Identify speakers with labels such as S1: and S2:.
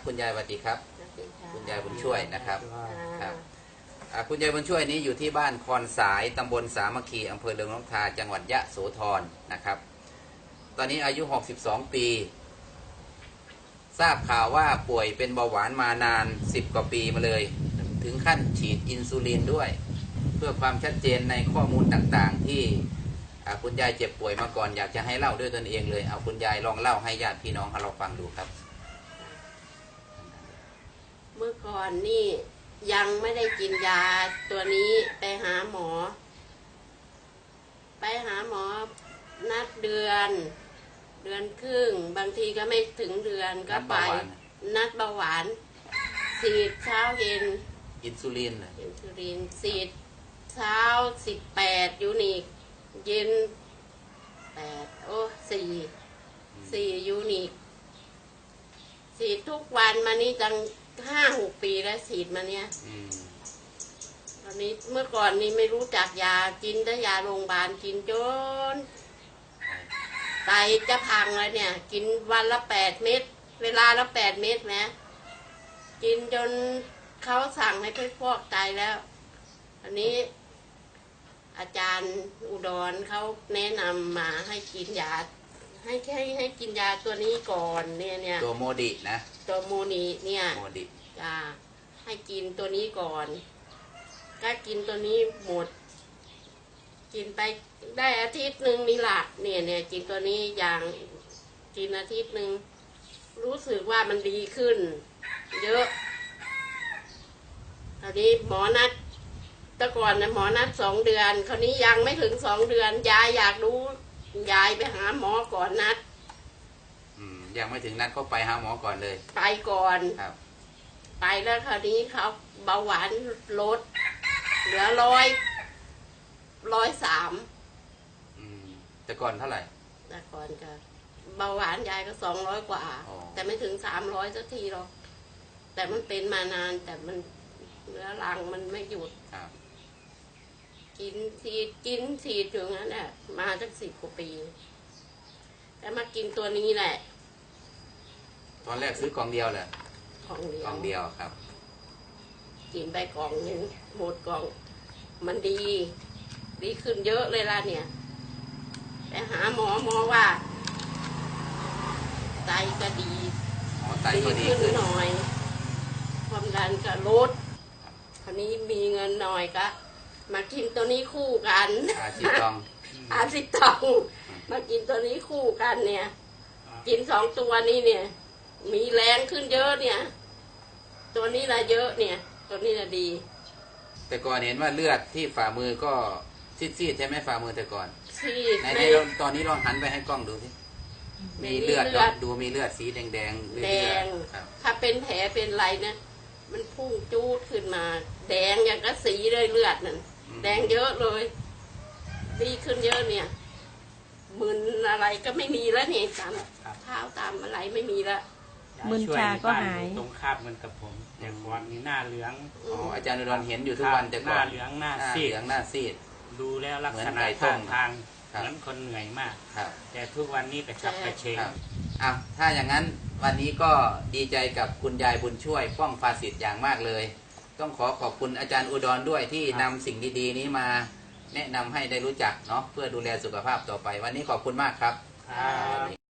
S1: คุณยายสวัสดีครับคุณยายบุญช่วยนะครับครับคุณยายบุญช่วยนี้อยู่ที่บ้านคอนสายตำบลสามัคคีอำเภอเรืองนกทาจังหวัดยะโสธรนะครับตอนนี้อายุ62ปีทราบข่าวว่าป่วยเป็นเบาหวานมานาน10กว่าปีมาเลยถึงขั้นฉีดอินซูลินด้วยเพื่อความชัดเจนในข้อมูลต่างๆที่คุณยายเจ็บป่วยมาก่อนอยากจะให้เล่าด้วยตนเองเลยเอาคุณยายลองเล่าให้ญาติพี่น้องเราฟังดูครับ
S2: เมื่อก่อนนี่ยังไม่ได้กินยาตัวนี้ไปหาหมอนัดเดือนครึ่งบางทีก็ไม่ถึงเดือนก็ไปนัดเบาหวานฉีดเช้าเย็น
S1: อินซูลิน
S2: ฉีดเช้า18ยูนิคเย็น4ยูนิคฉีดทุกวันมานี่ตั้ง5-6 ปีแล้วฉีดมาเนี่ยตอนนี้เมื่อก่อนนี้ไม่รู้จักยากินแต่ยาโรงพยาบาลกินจนไตจะพังเลยเนี่ยกินวันละ8 เม็ดเวลาละ8 เม็ดนะกินจนเขาสั่งให้ไปฟอกไตแล้วอันนี้อาจารย์อุดรเขาแนะนำมาให้กินยาให้กินยาตัวนี้ก่อนเนี่ย
S1: ตัวโมดินะ
S2: ตัวโมนีเนี่ย
S1: โมดิ
S2: จ้าให้กินตัวนี้ก่อนก็กินตัวนี้หมดกินไปได้อาทิตย์หนึ่งนี่แหละเนี่ยกินตัวนี้อย่างกินอาทิตย์หนึ่งรู้สึกว่ามันดีขึ้นเยอะคราวนี้หมอนัดแต่ก่อนนะหมอนัด2 เดือนคราวนี้ยังไม่ถึง2 เดือนยายอยากรู้ยายไปหาหมอก่อนนัด
S1: ยังไม่ถึงนัดก็ไปหาหมอก่อนเลย
S2: ไปก่อน
S1: ครับ
S2: ไปแล้วคราวนี้เขาเบาหวานลดเหลือ103
S1: แต่ก่อนเท่าไหร่
S2: แต่ก่อนก็เบาหวานยายก็200 กว่าแต่ไม่ถึง300สักทีหรอกแต่มันเป็นมานานแต่มันเรื้อรังมันไม่หยุดกินฉีดอยู่งั้นแหละมาตั้ง10 กว่าปีแล้วมากินตัวนี้แหละ
S1: ตอนแรกซื้อกล่องเดียวเลยกล่องเดียวครับ
S2: กินไปกล่องนึงหมดกล่องมันดีขึ้นเยอะเลยล่ะเนี่ยไปหาหมอว่าไตก็ดีขึ้นหน่อยความดันก็ลดคราวนี้มีเงินหน่อยก็มากินตัวนี้คู่กัน
S1: 10 กล่อง
S2: 10 กล่องมากินตัวนี้คู่กันเนี่ยกิน2 ตัวนี้เนี่ยมีแรงขึ้นเยอะเนี่ยตัวนี้ละเยอะเนี่ยตัวนี้ละดี
S1: แต่ก่อนเห็นว่าเลือดที่ฝ่ามือก็ซีดใช่ไหมฝ่ามือแต่ก่อน
S2: ซีด
S1: ในตอนนี้ลองหันไปให้กล้องดูสิมีเลือดดูมีเลือดสีแดง
S2: แดงถ้าเป็นแผลเป็นไรนะมันพุ่งจูดขึ้นมาแดงอย่างกระสีเลยเลือดนั่นแดงเยอะเลยดีขึ้นเยอะเนี่ยมึนอะไรก็ไม่มีแล้วเนี่ยตามเท้าตามอะไรไม่มีแล้ว
S3: มึนชาก็หาย
S4: ตรงคาบเหมือนกับผมแต่ก่อนนี่หน้าเหลือง
S1: อาจารย์อุดรเห็นอยู่ทุกวันแต่ก่อน
S4: หน้าเหลืองหน้าซีดดูแล้วลักษณะท่าทางเหมือนคนเหนื่อยมากแต่ทุกวันนี้กระฉับกระเฉง
S1: ถ้าอย่างนั้นวันนี้ก็ดีใจกับคุณยายบุญช่วยป้องภาสิทธิ์อย่างมากเลยต้องขอบคุณอาจารย์อุดรด้วยที่นำสิ่งดีๆนี้มาแนะนำให้ได้รู้จักเนาะเพื่อดูแลสุขภาพต่อไปวันนี้ขอบคุณมากครับ